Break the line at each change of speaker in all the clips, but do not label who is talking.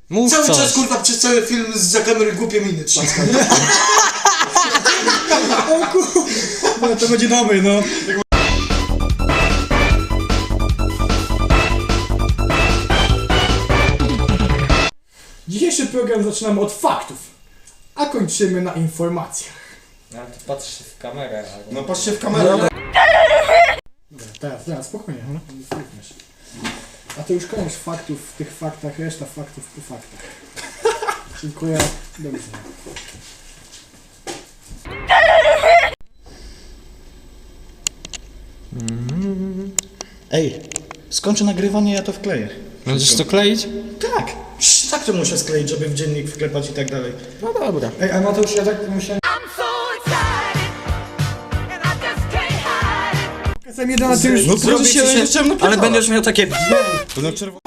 Mów
Cały
coś.
czas kurwa przez cały film za kamery głupie miny trzaska.
O kurwa, no, to będzie dobry, no. Dzisiejszy program zaczynamy od faktów, a kończymy na informacjach.
No to patrz się w kamerę. Albo...
No patrzcie w kamerę.
Dobra, teraz, spokojnie, no. A to już koniec faktów w tych faktach, reszta faktów po faktach. Dziękuję, do widzenia.
Ej, skończę nagrywanie, ja to wkleję.
Będziesz to kleić?
Tak, tak to muszę skleić, żeby w dziennik wklepać i tak dalej.
No dobra.
Ej, a Mateusz, ja tak musiałem... Czasem jeden na tym już...
No proszę się,
Ale będziesz miał takie...
To na czerwono.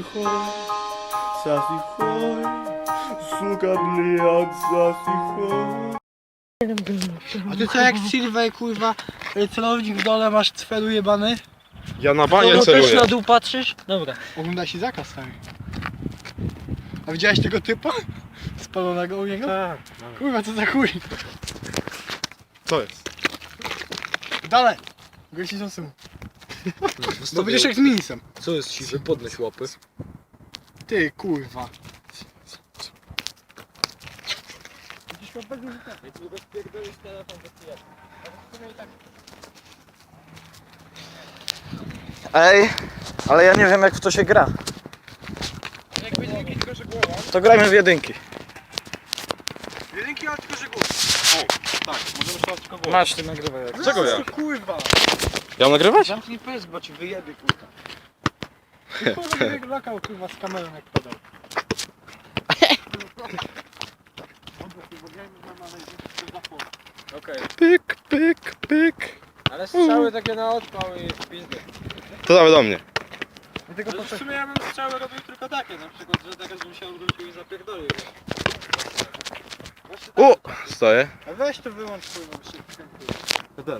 A ty co jak Sylwej, kurwa, celownik w dole masz cfelu jebany?
Ja na banie
No też
celuję.
na dół patrzysz? Dobra.
Ogląda się zakaz, stary. A widziałeś tego typa? Spalonego u niego?
Tak.
Kurwa, co za chuj.
Co jest?
Dalej! Gości są symu. No będziesz jak z minisem.
Co jest siwy? Podnieś łapy.
Ty, kurwa.
Ej, ale ja nie wiem jak w to się gra. To grajmy w jedynki.
Jedynki, ale tylko że głos.
Tak, możemy strzelać tylko głowę.
Masz, ty nagrywaj jak.
Czego ja?
Kurwa.
Ja mam nagrywać?
Zamknij pysk, bo ci wyjebie, kurwa. Ty kurwa jak lokał, kurwa, z kamerą jak podał.
Okej.
Pyk, pyk, pyk.
Ale strzały takie na odpał i w pizdę.
To dawaj do mnie.
Dlatego po co...
W sumie ja bym strzały robił tylko takie, na przykład, że teraz bym się odwrócił i zapierdolił.
O! Stoję.
A weź to wyłącz, kurwa, bo się wkrętuje.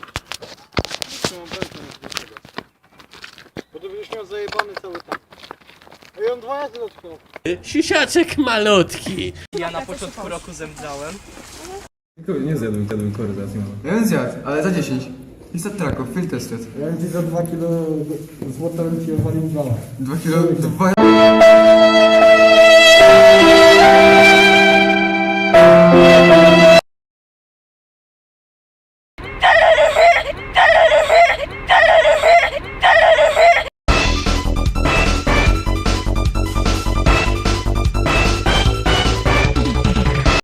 Bo to będziesz miał zajebany cały tak. Ej, on 2 razy dotknął.
Sisiaczek malutki.
Ja na początku roku zemdlałem.
Nie zjadłem kory teraz nie mam.
Ja bym zjadł, ale za 10. Lista traków, field tested.
Ja bym ci za 2 kilo złota bym ci odwalił 2.
2 kilo, 2...